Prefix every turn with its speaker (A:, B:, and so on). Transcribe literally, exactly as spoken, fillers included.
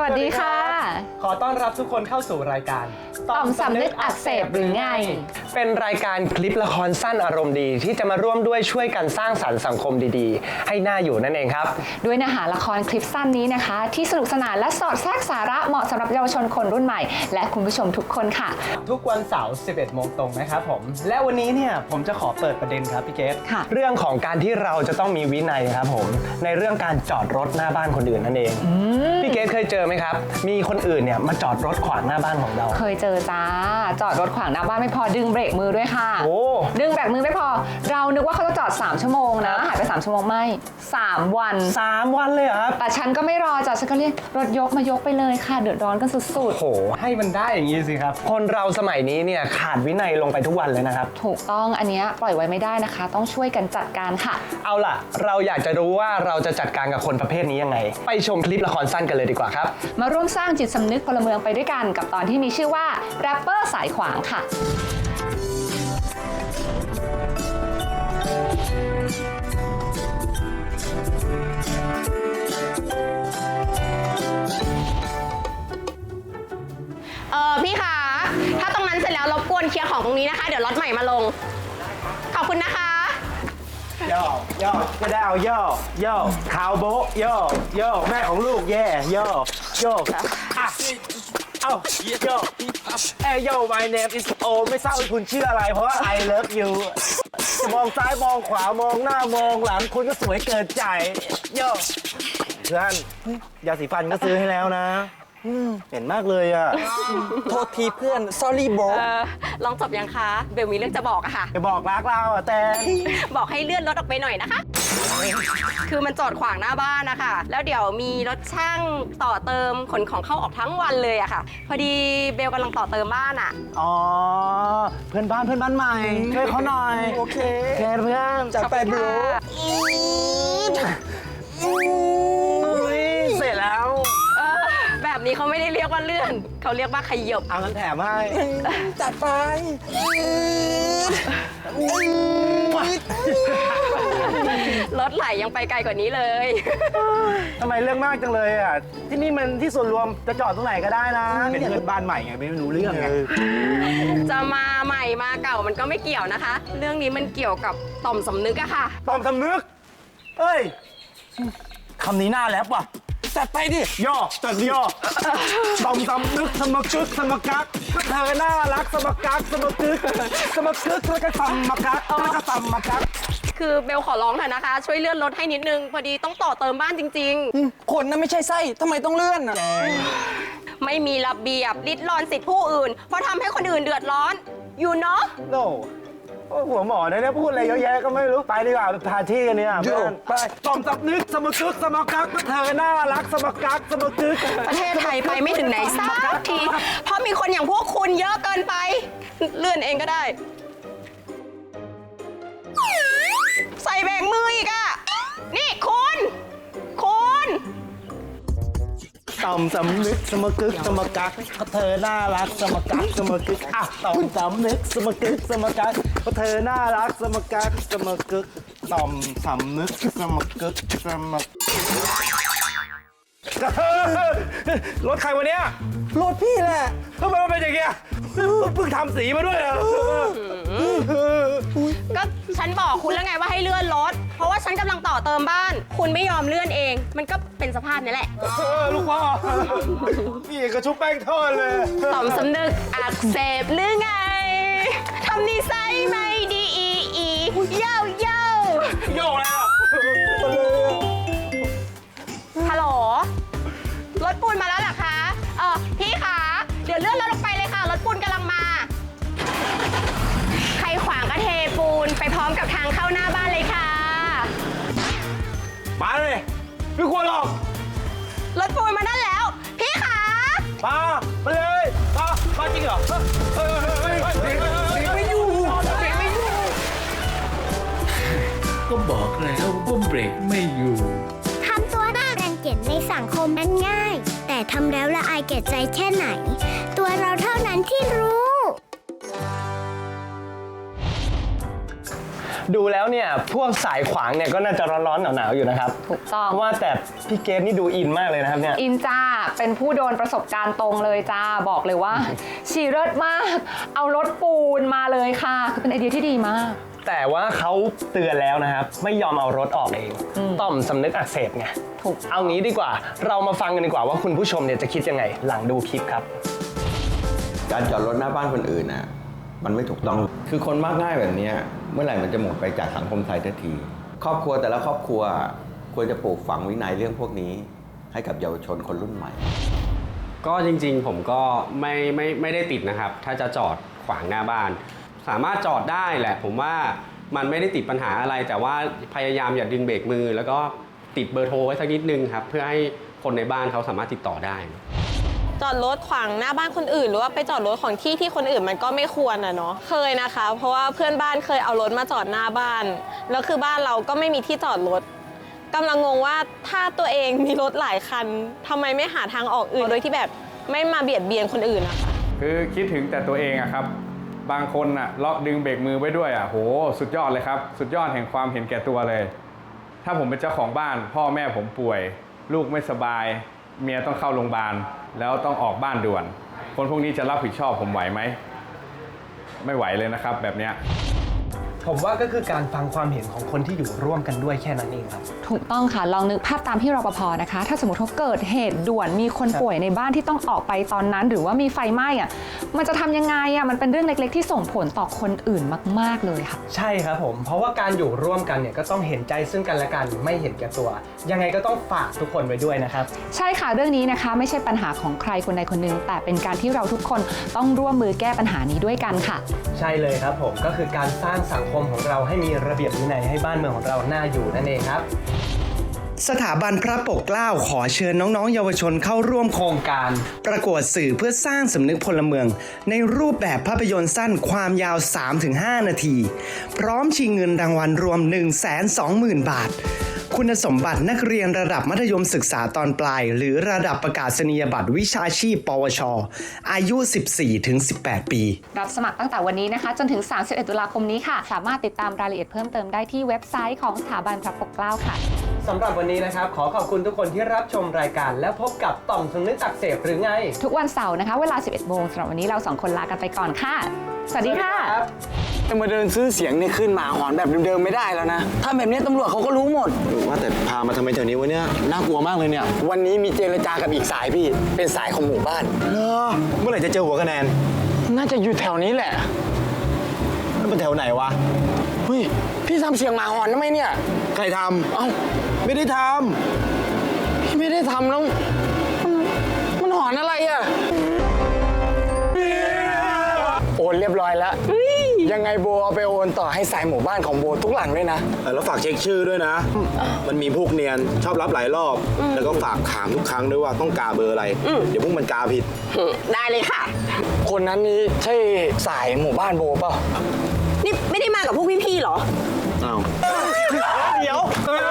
A: วัสดีค่ะ
B: ขอต้อนรับทุกคนเข้าสู่รายการ
A: ต่อมสำนึกอักเสบหรือไง
B: เป็นรายการคลิปละครสั้นอารมณ์ดีที่จะมาร่วมด้วยช่วยกันสร้างสรรค์สังคมดีๆให้น่าอยู่นั่นเองครับ
A: ด้วยเนื้อหาละครคลิปสั้นนี้นะคะที่สนุกสนานและสอดแทรกสาระเหมาะสำหรับเยาวชนคนรุ่นใหม่และคุณผู้ชมทุกคนค่ะ
B: ทุกวันเสาร์ สิบเอ็ดโมงตรงนะครับผมและวันนี้เนี่ยผมจะขอเปิดประเด็นครับพี่เกศเรื่องของการที่เราจะต้องมีวินัยครับผมในเรื่องการจอดรถหน้าบ้านคนอื่นนั่นเองพี่เกศเคยเจอไหมครับมีคนอื่นเนี่ยมาจอดรถขวางหน้าบ้านของเรา
A: เคยเจอจ้าจอดรถขวางหน้าบ้านไม่พอดึงเบรกมือด้วยค่ะ
B: โอ้
A: ดึงเบรกมือไม่พอเรานึกว่าเขาจะจอดสามชั่วโมงนะหายไปสามชั่วโมงไม่สามวัน
B: สามวันเลยครับ
A: แต่ฉันก็ไม่รอจ้ะฉันก็เรียกรถยกมายกไปเลยค่ะเดือดร้อนกันสุดๆ
B: โอ้โหให้มันได้อย่างนี้สิครับคนเราสมัยนี้เนี่ยขาดวินัยลงไปทุกวันเลยนะครับ
A: ถูกต้องอันนี้ปล่อยไว้ไม่ได้นะคะต้องช่วยกันจัดการค่ะ
B: เอาล่ะเราอยากจะรู้ว่าเราจะจัดการกับคนประเภทนี้ยังไงไปชมคลิปละครสั้นกันเลยดีกว่าครับ
A: มาร่วมสร้างจิตสำนึกพลเมืองไปด้วยกันกับตอนที่มีชื่อว่าแรปเปอร์สายขวางค่ะ
C: เออพี่คะถ้าตรงนั้นเสร็จแล้วรบกวนเคลียร์ของตรงนี้นะคะเดี๋ยวรถใหม่มาลงขอบคุณนะคะ
D: ย่อย่อก็ได้เอาย่อย่อขาวโบ๊ะย่อย่อแม่ของลูกแย่ย่อย่อครับอ่ะเอ้าย่อเอ้ยย่อ my name is O ไม่ทราบว่าคุณชื่ออะไรเพราะว่า I love you จะมองซ้ายมองขวามองหน้ามองหลังคุณก็สวยเกินใจย่อเพื่อนยาสีฟันก็ซื้อให้แล้วนะเห็นมากเลยอ่ะ
E: โทษทีเพื่อน sorry bro
C: เออลองจบยังคะเบลมีเรื่องจะบอกอะค่ะ
D: ไปบอกรักเราอ่ะแต่
C: บอกให้เลื่อนรถออกไปหน่อยนะคะคือมันจอดขวางหน้าบ้านนะคะแล้วเดี๋ยวมีรถช่างต่อเติมขนของเข้าออกทั้งวันเลยอะค่ะพอดีเบลกำลังต่อเติมบ้านอะ
D: อ๋อเพื่อนบ้านเพื่อนบ้านใหม่ช่วยเขาหน่อย
E: โอเค
D: แค่เพื่อน
E: จัดไป bro
D: เสร็จแล้ว
C: แบบนี้เขาไม่ได้เรียกว่าเลื่อนเขาเรียกว่าขยบ
D: เอางั้นแถมให้
E: จัดไป
C: รถไหลยังไปไกลกว่านี้เลย
D: ทำไมเรื่องมากจังเลยอ่ะที่นี่มันที่ส่วนรวมจะจอดตรงไหนก็ได้นะเป็นเพื่อนบ้านใหม่ไงไม่รู้เรื่องไง
C: จะมาใหม่มาเก่ามันก็ไม่เกี่ยวนะคะ เรื่องนี้มันเกี่ยวกับต่อมสำนึกอะค่ะ
D: ต่อมสำนึกเฮ้ยคำนี้น่าแลบว่ะ
E: จัดไปดิ
D: ย่อจัดย่อต่อมสำนึกสมกึกสมกักเธอน่ารักสมกักสมกึกสมกึกแล้วก็สมกักแล้วก็สมกัก
C: คือเบลขอร้องเถอะนะคะช่วยเลื่อนรถให้นิดนึงพอดีต้องต่อเติมบ้านจริง
E: ๆคนนั้นไม่ใช่ไส้ทำไมต้องเลื่อนอ่ะ
C: ไม่มีระเบียบริดรอนสิทธิผู้อื่นเพราะทำให้คนอื่นเดือดร้อนอยู่เนาะ
D: noหัวหมอเนี่ยพูดอะไรเยอะแยะก็ไม่รู้ไปดีกว่าพาที่กันเนี่ยเพื่อนไปต่อมสำนึกสมกึกสมกักเธอน่ารักสมกักสมกึก
C: ประเทศไทยไปไม่ถึงไหนสักทีเพราะมีคนอย่างพวกคุณเยอะเกินไปเลื่อนเองก็ได้ใส่เบรกมืออีกอ่ะนี่คุณคุณ
D: ต่อมสำนึกสมกึกสมกักเธอน่ารักสมกักสมกึกอ่ะต่อมสำนึกสมกึกสมกักเธอน่ารักสมกักสมกึกต่อมสำนึกสมกึกสมกรถใครวะเนี่ย
E: รถพี่แหละ
D: ทำไมมันเป็นอย่างเงี้ยเพิ่งทำสีมาด้วยเหรอ
C: ก็ฉันบอกคุณแล้วไงว่าให้เลื่อนรถเพราะว่าฉันกำลังต่อเติมบ้านคุณไม่ยอมเลื่อนเองมันก็เป็นสภาพนี้แหละ
D: ลูกพ่อพี่กระชุบแป้งทอดเลย
C: ต่อมสำนึกอักเสบหรือไงทำนิสัยไม่ดีอีอีเย้าเย้า
D: โย่แล้ว
C: ฮัลโหลรถปูนมาแล้วเหรอคะเออพี่คะเดี๋ยวเลื่อนรถลงไปเลยค่ะรถปูนกำลังมาใครขวางก็เทปูนไปพร้อมกับทางเข้าหน้าบ้านเลยค่ะ
D: มาเลยไม่ควรหรอก
C: รถปูนมานั่นแล้วพี่คะ
D: มามาเลยมามาจริงเหรอเฮ้ยเฮ้ยเฮ้ยไม่อยู่ไม่อยู่
F: ก็บอกแล้วว่าเบรกไม่อยู่
G: ทำตัวน่ารังเกียจในสังคมนั้นง่ายแต่ทำแล้วละอายแก่ใจแค่ไหนตัวเราเท่านั้นที่รู้
B: ดูแล้วเนี่ยพวกสายขวางเนี่ยก็น่าจะร้อนๆหนาวๆอยู่นะครับ
A: ถูกต้อง
B: เพราะว่าแต่พี่เกดนี่ดูอินมากเลยนะครับเนี่ย
A: อินจ้า เป็นผู้โดนประสบการณ์ตรงเลยจ้า บอกเลยว่า ชีเลิศมาก เอารถปูนมาเลยค่ะคือเป็นไอเดียที่ดีมาก
B: แต่ว่าเขาเตือนแล้วนะครับ ไม่ยอมเอารถออกเองต่อมสำนึกอักเสบไง
A: ถูก
B: เอางี้ดีกว่า เรามาฟังกันดีกว่าว่าคุณผู้ชมเนี่ยจะคิดยังไง หลังดูคลิปครับ
H: การจอดรถหน้าบ้านคนอื่นน่ะมันไม่ถูกต้อง คือคนมากง่ายแบบเนี้ยเมื่อไหร่มันจะหมดไปจากสังคมไทยทันที ครอบครัวแต่ละครอบครัวควรจะปลูกฝังวินัยเรื่องพวกนี้ ให้กับเยาวชนคนรุ่นใหม่
I: ก็จริงๆผมก็ไม่ไม่ไม่ได้ติดนะครับ ถ้าจะจอดขวางหน้าบ้าน สามารถจอดได้แหละ ผมว่ามันไม่ได้ติดปัญหาอะไร แต่ว่าพยายามอย่าดึงเบรกมือ แล้วก็ติดเบอร์โทรไว้สักนิดนึงครับเพื่อให้คนในบ้านเขาสามารถติดต่อได้
J: จอดรถขวางหน้าบ้านคนอื่นหรือว่าไปจอดรถของที่ที่คนอื่นมันก็ไม่ควรอะเนาะเคยนะคะ เพราะว่าเพื่อนบ้านเคยเอารถมาจอดหน้าบ้านแล้วคือบ้านเราก็ไม่มีที่จอดรถกำลังงงว่าถ้าตัวเองมีรถหลายคันทำไมไม่หาทางออกอื่นโดยที่แบบไม่มาเบียดเบียนคนอื่นนะคะ
K: คือคิดถึงแต่ตัวเองอะครับ บางคนอะล็อกดึงเบรกมือไว้ด้วยอะโหสุดยอดเลยครับ สุดยอดแห่งความเห็นแก่ตัวเลย ถ้าผมเป็นเจ้าของบ้านพ่อแม่ผมป่วย ลูกไม่สบาย เมียต้องเข้าโรงพยาบาลแล้วต้องออกบ้านด่วน คนพวกนี้จะรับผิดชอบผมไหวไหมไม่ไหวเลยนะครับแบบเนี้ย
B: ผมว่าก็คือการฟังความเห็นของคนที่อยู่ร่วมกันด้วยแค่นั้นเองครับ
A: ถูกต้องค่ะ ลองนึกภาพตามที่รปภนะคะ ถ้าสมมติว่าเกิดเหตุด่วนมีคนป่วยในบ้านที่ต้องออกไปตอนนั้น หรือว่ามีไฟไหม้อะมันจะทำยังไงอะมันเป็นเรื่องเล็กๆที่ส่งผลต่อคนอื่นมากๆเลยค่ะ
B: ใช่ครับผม เพราะว่าการอยู่ร่วมกันเนี่ยก็ต้องเห็นใจซึ่งกันและกันไม่เห็นแก่ตัว ยังไงก็ต้องฝากทุกคนไว้ด้วยนะครับ
A: ใช่ค่ะเรื่องนี้นะคะไม่ใช่ปัญหาของใครคนใดคนหนึ่งแต่เป็นการที่เราทุกคนต้องร่วมมือแก้ปัญหานี้ด้วยกันค่ะ
B: ใช่เลยครับผมก็คือการสร้างสังคมของเราให้มีระเบียบวินัยให้บ้านเมืองของเราน่าอยู่นั่นเองครับ สถาบันพระปกเกล้าขอเชิญน้องๆเยาวชนเข้าร่วมโครงการ ประกวดสื่อเพื่อสร้างสำนึกพลเมือง ในรูปแบบภาพยนตร์สั้นความยาว สามถึงห้า นาที พร้อมชิงเงินรางวัลรวม หนึ่งแสนสองหมื่น บาท คุณสมบัตินักเรียนระดับมัธยมศึกษาตอนปลาย หรือระดับประกาศนียบัตรวิชาชีพ ปวช อายุ สิบสี่ถึงสิบแปด ปี
A: รับสมัครตั้งแต่วันนี้นะคะจนถึง สามสิบเอ็ด ตุลาคมนี้ค่ะ สามารถติดตามรายละเอียดเพิ่มเติมได้ที่เว็บไซต์ของสถาบันพระปกเกล้าค่ะ
B: สำหรับวันนี้นะครับขอขอบคุณทุกคนที่รับชมรายการและพบกับต่อมสำนึกอักเสบหรือไง
A: ทุกวันเสาร์นะคะเวลา สิบเอ็ด โมงสำหรับวันนี้เราสองคนลากันไปก่อนค่ะ สวัสดีค่ะ
E: จะมาเดินซื้อเสียงเนี่ยขึ้นหมาหอนแบบเดิมๆไม่ได้แล้วนะ ถ้าแบบนี้ตำรวจเขาก็รู้หมด
H: ว่าแต่พามาทำไมแถวนี้วะเนี่ยน่ากลัวมากเลยเนี่ย
E: วันนี้มีเจรจากับอีกสายพี่ เป็นสายของหมู่บ้าน
H: เหรอเมื่อไหร่จะเจอหัวคะแนน
E: น่าจะอยู่แถวนี้แหละ
H: แล้วมันแถวไหนวะ
E: เฮ้ย พี่ทำเสียงหมาหอนทำไมเนี่ย
H: ใครท
E: เอ้า
H: ำไม่ได้ท
E: พี่ไม่ได้ทำแล้วมันมันหอนอะไรอ่ะ โอนเรียบร้อยแล้ว ยังไงโบเอาไปโอนต่อให้สายหมู่บ้านของโบทุกหลังด้วยนะ
H: ำแล้วฝากเช็คชื่อด้วยนะ มันมีพวกเนียนชอบรับหลายรอบ แล้วก็ฝากถามทุกครั้งด้วยว่าต้องกาเบอร์อะไร เดี๋ยวพวกมันกาผิด
C: ได้เลยค่ะ
E: คนนั้นนี่ใช่สายหมู่บ้านโบเปล่า
C: นี่ไม่ได้มากับพวกพี่ๆเหรอ
H: อ้าว
B: เดี๋ยว